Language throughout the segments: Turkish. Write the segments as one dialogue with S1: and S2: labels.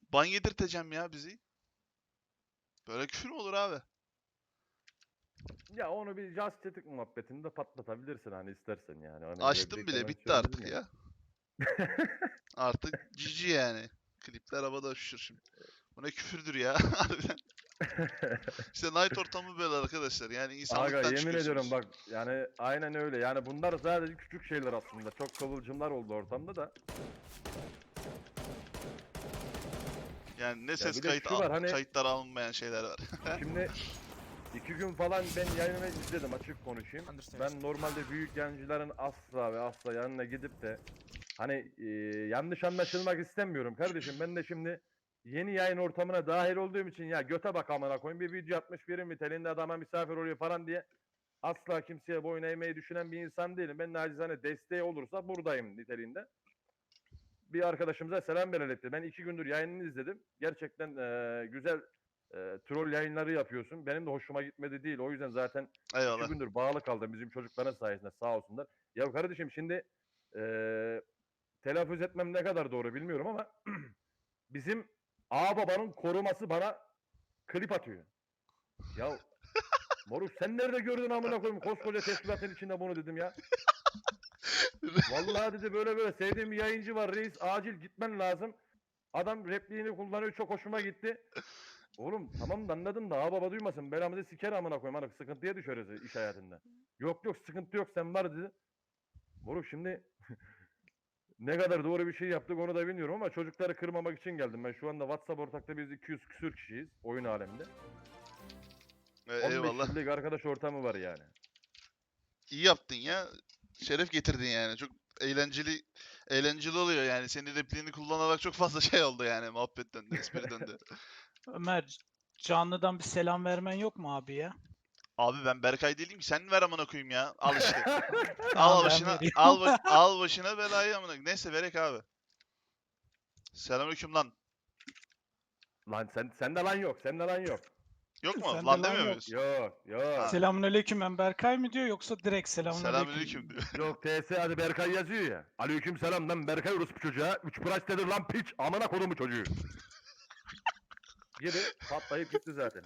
S1: Ban yedirteceğim ya bizi. Böyle küfür mü olur abi?
S2: Ya onu bir just chatting muhabbetinde patlatabilirsin hani istersen yani. Hani öyle
S1: Açtım
S2: direkt
S1: bile
S2: hemen
S1: bitti artık
S2: söyledim
S1: ya. Artık GG yani. Klipler havada uçuşur şimdi. Bu ne küfürdür ya harbiden. İşte night ortamı böyle arkadaşlar. Yani
S2: Aga
S1: insanlıktan
S2: yemin ediyorum
S1: çıkıyorsunuz.
S2: bak yani aynen öyle. Yani bunlar sadece küçük şeyler aslında. Çok kıvılcımlar oldu ortamda da.
S1: Yani ne
S2: Ya
S1: ses
S2: bir de şu var hani
S1: kayıtları alınmayan şeyler var.
S2: şimdi 2 gün falan ben yayını izledim açık konuşayım. Ben normalde büyük yayıncıların asla ve asla yanına gidip de hani yanlış anlaşılmak istemiyorum kardeşim. Ben de şimdi yeni yayın ortamına dahil olduğum için ya göte bak amına koyayım bir video atmış biri niteliğinde adama misafir oluyor falan diye asla kimseye boyun eğmeyi düşünen bir insan değilim. Ben nacizane desteği olursa buradayım niteliğinde. Bir arkadaşımıza selam belirletti. Ben 2 gündür yayınını izledim. Gerçekten güzel troll yayınları yapıyorsun. Benim de hoşuma gitmedi değil. O yüzden zaten 2
S1: Eyvallah.
S2: gündür bağlı kaldım bizim çocukların sayesinde sağ olsunlar. Ya kardeşim şimdi e, telaffuz etmem ne kadar doğru bilmiyorum ama bizim ağababanın koruması bana klip atıyor. Ya moruk sen nerede gördün amına koyayım koskoca teşkilatın içinde bunu dedim ya. Vallahi dedi böyle böyle sevdiğim bir yayıncı var reis acil gitmen lazım. Adam repliğini kullanıyor çok hoşuma gitti. Oğlum tamam da anladım da baba duymasın belamızı siker amına koyayım hani sıkıntıya düşeriz iş hayatında. Yok yok sıkıntı yok sen var dedi. Moruk şimdi ne kadar doğru bir şey yaptık onu da bilmiyorum ama çocukları kırmamak için geldim. Ben şu anda WhatsApp ortakta biz 200 küsür kişiyiz oyun aleminde. 15
S1: Eyvallah.
S2: yıllık arkadaş ortamı var yani.
S1: İyi yaptın ya. Şeref getirdin yani. Çok eğlenceli oluyor yani. Senin repliğini kullanarak çok fazla şey oldu yani. Muhabbet döndü, espri döndü.
S3: Ömer, canlıdan bir selam vermen yok mu abi ya?
S1: Abi ben Berkay değilim ki. Sen ver amına koyayım ya. Al işte.
S3: Tamam
S1: Al
S3: ben
S1: başına
S3: veriyorum.
S1: al başına belayı amına. Neyse verek abi. Selamünaleyküm lan.
S2: Lan sende lan yok sende lan yok.
S1: Yok mu?
S3: Sende
S1: Lan
S3: lan
S1: demiyor
S3: yok.
S1: muyuz?
S2: Yok yok.
S1: Ha.
S3: Selamünaleyküm ben Berkay mı diyor yoksa direkt selamünaleyküm
S1: Selamünaleyküm
S3: mü?
S1: diyor.
S2: Yok TS hadi Berkay yazıyor ya. Aleyküm selam lan Berkay orospu çocuğa. 3 price nedir lan piç. Amına kodumu çocuğu. Gibi patlayıp gitti zaten.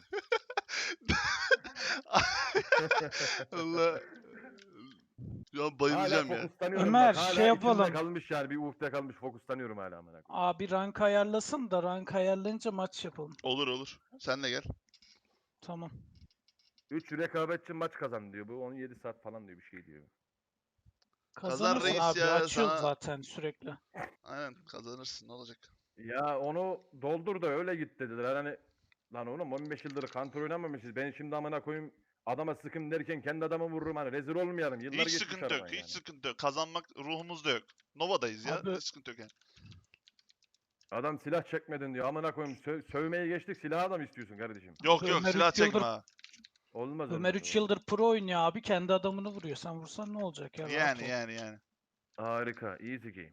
S1: Allah. Ya
S2: Hala
S1: bayılacağım ya.
S2: fokuslanıyorum
S3: Ömer
S2: bak.
S3: şey
S2: Hala içimde
S3: yapalım.
S2: kalmış yani bir ufte kalmış fokuslanıyorum hala amına koyayım.
S3: Abi rank ayarlasın da rank ayarlayınca maç yapalım.
S1: Olur olur. Sen de gel.
S3: Tamam.
S2: 3 rekabetçi maç kazan diyor. Bu 17 saat falan diyor bir şey diyor.
S1: Kazan
S3: Kazanırsın
S1: reis
S3: abi.
S1: ya
S3: Açıyoruz
S1: sana.
S3: zaten sürekli.
S1: Aynen kazanırsın ne olacak?
S2: Ya onu doldur da öyle git dediler. Hani lan oğlum 15 yıldır counter oynamamışız. Ben şimdi amına koyayım adama sıkın derken kendi adamı vururum hani rezil olmayalım. Yıllar
S1: Hiç
S2: geçmiş
S1: sıkıntı yok.
S2: aradan
S1: Hiç
S2: yani.
S1: sıkıntı yok. Kazanmak ruhumuzda yok. Nova'dayız ya.
S3: Abi
S1: Hiç sıkıntı yok yani.
S2: Adam silah çekmedin diyor. Amına koyayım sövmeye geçtik silahı da mı istiyorsun kardeşim?
S1: Yok
S3: abi
S1: yok
S3: Ömer
S1: silah
S3: 3
S1: çekme
S3: yıldır
S1: ha.
S2: Olmaz
S3: Ömer
S2: olmaz
S3: 3
S2: olmaz.
S3: yıldır pro oynuyor abi. Kendi adamını vuruyor. Sen vursan ne olacak ya? Rahat
S1: Yani
S3: ol.
S1: yani.
S2: Harika. Easy game.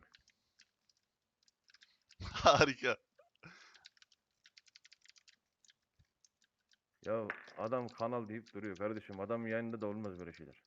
S1: Harika.
S2: Ya adam kanal deyip duruyor kardeşim. Adam yayında da olmaz böyle şeyler.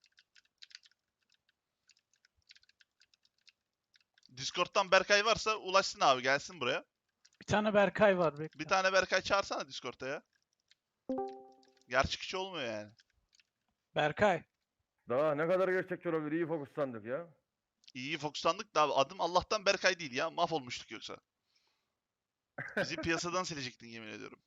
S1: Discord'dan Berkay varsa ulaşsın abi gelsin buraya.
S3: Bir tane Berkay var
S1: Bir
S3: bekle.
S1: tane Berkay çağırsana Discord'da ya. Gerçekçi olmuyor yani.
S3: Berkay.
S2: Daha ne kadar gerçekçi olabilir? İyi fokuslandık ya.
S1: İyi fokuslandık da abi adım Allah'tan Berkay değil ya. Mahvolmuştuk yoksa. Bizi piyasadan silecektin yemin ediyorum.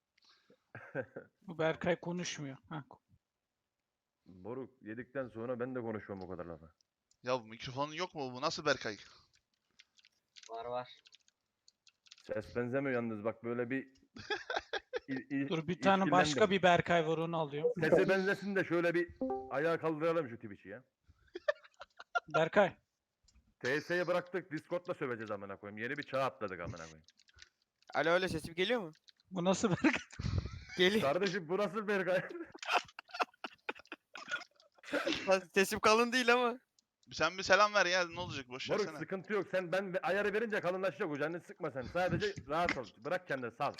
S3: Bu Berkay konuşmuyor. Heh.
S2: Boruk yedikten sonra ben de konuşuyorum o kadar lafa.
S1: Ya bu mikrofonun yok mu bu? Nasıl Berkay?
S4: Var var.
S2: Ses benzemiyor yalnız bak böyle bir
S3: Dur bir tane başka
S2: işkillendim.
S3: bir Berkay var onu alıyorum.
S2: Sesi benzesin de şöyle bir ayağa kaldıralım şu Twitch'i ya.
S3: Berkay.
S2: TS'yi bıraktık Discord'la söveceğiz amına koyayım. Yeni bir çağ atladık amına koyayım.
S4: Alo alo sesim geliyor mu?
S3: Bu nasıl Berkay?
S4: Geliyor.
S2: Kardeşim bu nasıl Berkay?
S4: Sesim kalın değil ama.
S1: Sen bir selam ver ya ne olacak boş
S2: Moruk
S1: versene.
S2: sıkıntı yok. Sen ben ayarı verince kalınlaşacak o canını sıkma sen. Sadece rahat ol. Bırak kendini sal.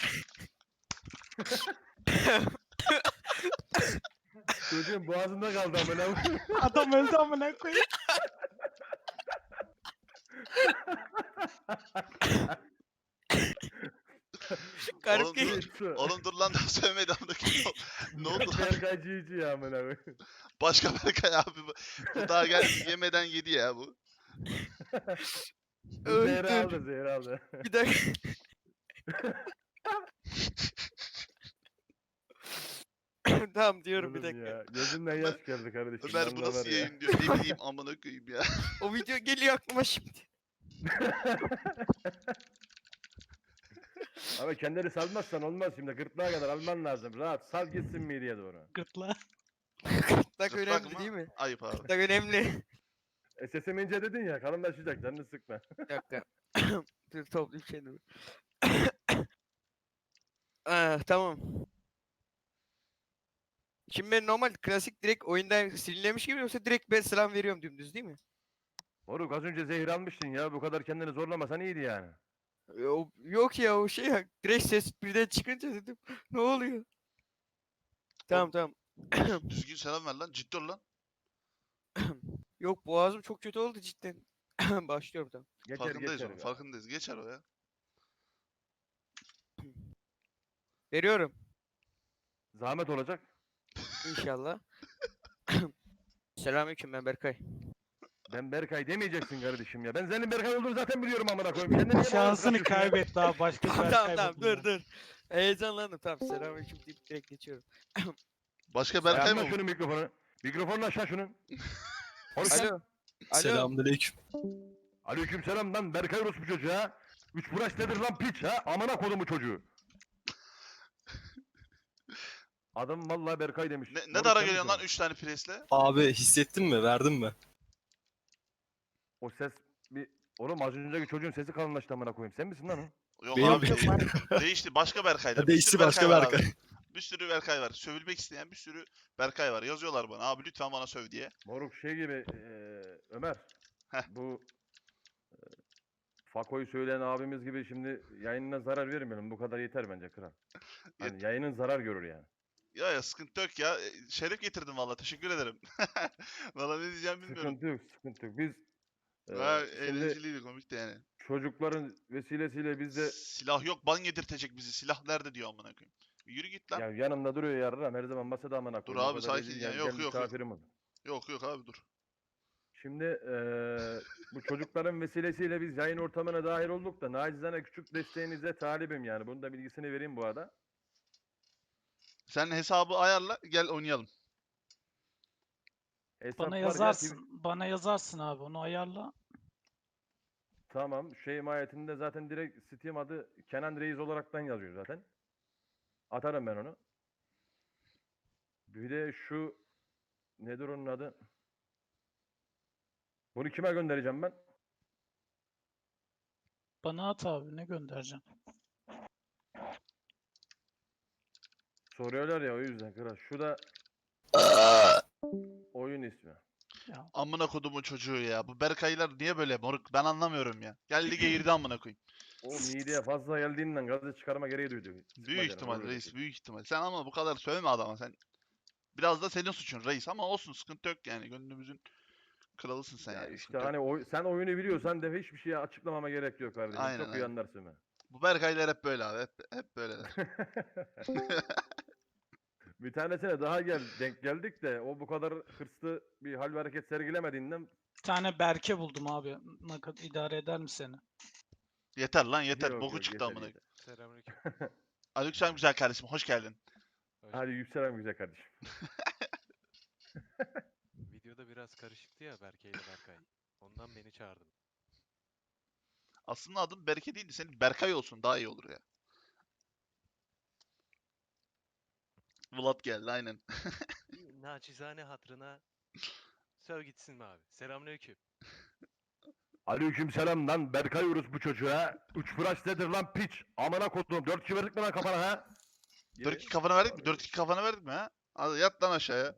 S2: Çocuğun boğazında kaldı amına koyayım.
S3: Adam öldü amına koyayım.
S4: Garip
S1: Oğlum
S4: geliyor.
S1: dur, oğlum dur lan daha sövmedi amına koyayım. Ne oldu lan?
S2: Berkay GG ya amına koyayım.
S1: Başka Berkay abi bu. Bu daha yemeden yedi ya bu.
S2: Bu
S4: Öl,
S2: zehri
S4: dur.
S2: aldı zehri aldı.
S4: Bir dakika. Tamam diyorum bir
S2: Oğlum
S4: dakika.
S2: ya, gözümden yaş geldi kardeşim.
S1: Ömer bu
S2: vallahi
S1: nasıl
S2: var ya.
S1: yayın diyor. Ne bileyim amına koyayım ya.
S4: O video geliyor aklıma şimdi.
S2: Ama kendini salmazsan olmaz şimdi. Gırtlağa kadar alman lazım. Rahat sal gitsin mideye doğru.
S3: Gırtla.
S4: Gırtlak
S1: Zıplak
S4: önemli
S1: mı?
S4: değil mi?
S1: Ayıp abi.
S4: Gırtlak önemli.
S2: Sesim ince dedin ya kalınlaşacak canını sıkma.
S4: Bir dakika. Dur toplayayım kendimi. Tamam. Şimdi ben normal klasik direkt oyundan silinlemiş gibi yoksa direkt ben selam veriyorum dümdüz değil mi?
S2: Moruk az önce zehir almıştın ya. Bu kadar kendini zorlamasan iyiydi yani.
S4: Yok ya o şey ya. Direkt ses birden çıkınca dedim. Ne oluyor? Tamam tamam.
S1: Düzgün selam ver lan. Ciddi ol lan.
S4: Yok boğazım çok kötü oldu cidden. Başlıyorum tamam.
S2: Geçer
S1: Farkındayız
S2: geçer.
S1: onun. Farkındayız. Geçer o ya.
S4: Veriyorum.
S2: Zahmet olacak.
S4: İnşallah. Selamünaleyküm ben Berkay.
S2: Ben Berkay demeyeceksin kardeşim ya. Ben senin Berkay olduğunu zaten biliyorum amına koyayım. Kendini niye bana
S3: Şansını
S2: bırakıyorsun ya?
S3: kaybetti abi. Başka
S4: Tamam
S3: bir
S4: tamam tamam dur. Heyecanlandım tamam selamünaleyküm deyip direkt geçiyorum.
S1: Başka Berkay
S2: Ayarla
S1: mı bu?
S2: şunu mikrofonu. Mikrofonunu aşağı şunun. Konuşsana.
S4: Alo. Alo.
S5: Selamünaleyküm.
S2: Aleykümselam lan Berkay orospu çocuğu ha. Üç buraş nedir lan piç ha? Amına kodumu çocuğu. Adam vallahi Berkay demiş.
S1: Ne
S2: Moruk
S1: dara
S2: sen
S1: geliyorsun
S2: misin
S1: lan 3 tane presle?
S5: Abi hissettin mi? Verdin mi?
S2: o? O ses bir... Oğlum az önceki çocuğun sesi kalınlaştı amına koyayım. Sen misin lan o?
S1: Yok
S5: Benim-
S1: abi değişti. Başka Berkay'dır.
S5: Ha,
S1: Bir
S5: değişti
S1: sürü
S5: başka
S1: var
S5: Berkay.
S1: abi. Bir sürü Berkay var. Sövülmek isteyen bir sürü Berkay var. Yazıyorlar bana. Abi lütfen bana söv diye.
S2: Moruk şey gibi Ömer.
S1: Heh.
S2: Bu Fako'yu söyleyen abimiz gibi şimdi yayınına zarar vermeyelim. Bu kadar yeter bence kral. Hani yayının zarar görür yani.
S1: Ya sıkıntı yok ya. Şeref getirdim valla. Teşekkür ederim. Valla ne diyeceğim bilmiyorum.
S2: Sıkıntı yok, sıkıntı yok. Biz
S1: Ha,
S2: şimdi
S1: eğlenceliydi, komikti yani.
S2: çocukların vesilesiyle biz de
S1: Silah yok, ban yedirtecek bizi. Silah nerede diyor amına koyayım. Yürü git lan.
S2: ya yanımda duruyor yarram her zaman masada amına
S1: Dur
S2: koyayım. O
S1: abi,
S2: kadar
S1: sakin
S2: rezil
S1: ya.
S2: gel-
S1: Yok,
S2: gel
S1: yok, yok.
S2: misafirim ol.
S1: Yok abi dur.
S2: Şimdi bu çocukların vesilesiyle biz yayın ortamına dahil olduk da nacizane küçük desteğinize talibim yani. Bunun da bilgisini vereyim bu arada.
S1: Sen hesabı ayarla, gel oynayalım.
S2: Hesap
S3: Bana
S2: var ya,
S3: yazarsın. Bana yazarsın abi. Onu ayarla.
S2: Tamam. Şey mahiyetinde zaten direkt Steam adı Kenan Reis olaraktan yazıyor zaten. Atarım ben onu. Bir de şu nedir onun adı? Bunu kime göndereceğim ben?
S3: Bana at abi. Ne göndereceğim?
S2: Soruyorlar ya o yüzden kral. Şu da oyun ismi.
S3: Ya,
S1: Amına kodumun çocuğu ya. Bu Berkaylar niye böyle moruk? Ben anlamıyorum ya. Gel lige girdi amına koyayım.
S2: O mideye fazla geldiğinden gazı çıkarma gereği duydu. Sıkma
S1: Büyük
S2: canım,
S1: ihtimal
S2: olur
S1: reis,
S2: öyle.
S1: büyük ihtimal. Sen ama bu kadar sövme adama sen. Biraz da senin suçun reis ama olsun, sıkıntı yok yani. Gönlümüzün kralısın sen
S2: Ya
S1: yani.
S2: işte
S1: sıkıntı yok.
S2: hani sen oyunu biliyorsan de hiçbir şey açıklamama gerek yok kardeşim.
S1: Aynen,
S2: Çok iyi
S1: aynen.
S2: anlarsın ben.
S1: Bu Berkaylar hep böyle abi. Hep böyleler.
S2: Bir tanesine daha denk geldik de o bu kadar hırslı bir hal ve hareket sergilemediğinden
S3: bir tane Berke buldum abi. Ne kadar idare eder mi seni?
S1: Yeter lan yeter.
S2: Yok,
S1: Boku
S2: yok,
S1: çıktı
S2: yeter,
S1: amına.
S2: yeter.
S6: Selamünaleyküm.
S1: Aleykümselam güzel kardeşim. Hoş geldin.
S2: Hadi yükselen güzel kardeşim.
S6: Videoda biraz karışıktı ya Berke ile Berkay. Ondan beni çağırdın.
S1: Aslında adın Berke değildi. Senin Berkay olsun daha iyi olur ya. Vlad geldi aynen.
S6: Bir naçizane hatırına söv gitsin mi abi? Selamünaleyküm.
S2: Aleykümselam lan Berkay Urus bu çocuğa. Üç fıraş nedir lan piç? Amına kodum 4 kişi verdik mi lan kafana ha?
S1: 4-2 kafana verdik mi? 4-2 kafana verdik mi ha? Hadi yat lan aşağıya.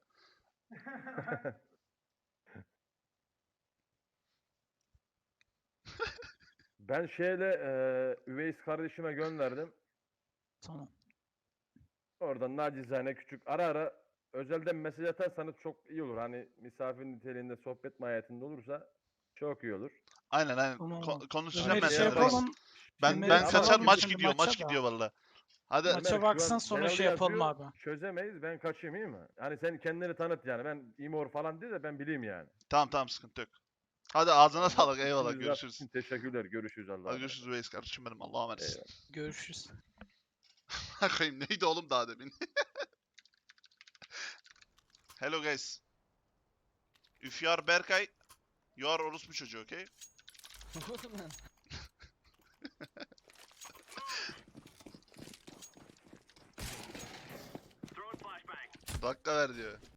S2: Ben şeyle Üveys kardeşime gönderdim.
S3: Tamam.
S2: Oradan nacizane küçük ara ara özelden mesaj atarsanız çok iyi olur. Hani misafir niteliğinde sohbet mahiyetinde olursa çok iyi olur.
S1: Aynen aynen.
S3: Tamam.
S1: Konuşacağım
S2: Ömer,
S1: ben
S3: Ömer'i
S2: şey
S1: seninle reis.
S2: yapalım.
S1: Ben
S2: Şimdi
S1: ben
S2: ama
S1: kaçar
S2: bizim
S1: maç
S3: şimdi
S1: gidiyor
S3: maça
S1: maç
S3: da.
S1: gidiyor valla. Hadi
S3: Maça
S2: Ömer, şu
S3: baksan
S2: an
S3: sonra
S2: Cenal'ı
S3: şey yapalım
S2: yazıyor,
S3: abi.
S2: Çözemeyiz, ben kaçayım, iyi mi? Yani sen kendini tanıt yani, ben imor falan değil de ben bileyim yani.
S1: tamam sıkıntı yok. Hadi ağzına
S2: Tamam,
S1: sağlık,
S2: hadi
S1: eyvallah,
S2: işinizi
S1: görüşürüz.
S2: yapın, teşekkürler, görüşürüz, Allah'a
S1: Hadi
S2: emanet.
S1: görüşürüz Reis kardeşim benim, Allah'a emanet.
S2: Eyvallah.
S3: Görüşürüz.
S1: Bakayım neydi oğlum daha demin? Hello guys. If you are Berkay, you are orospu çocuğu, okay? Dakika ver diyor.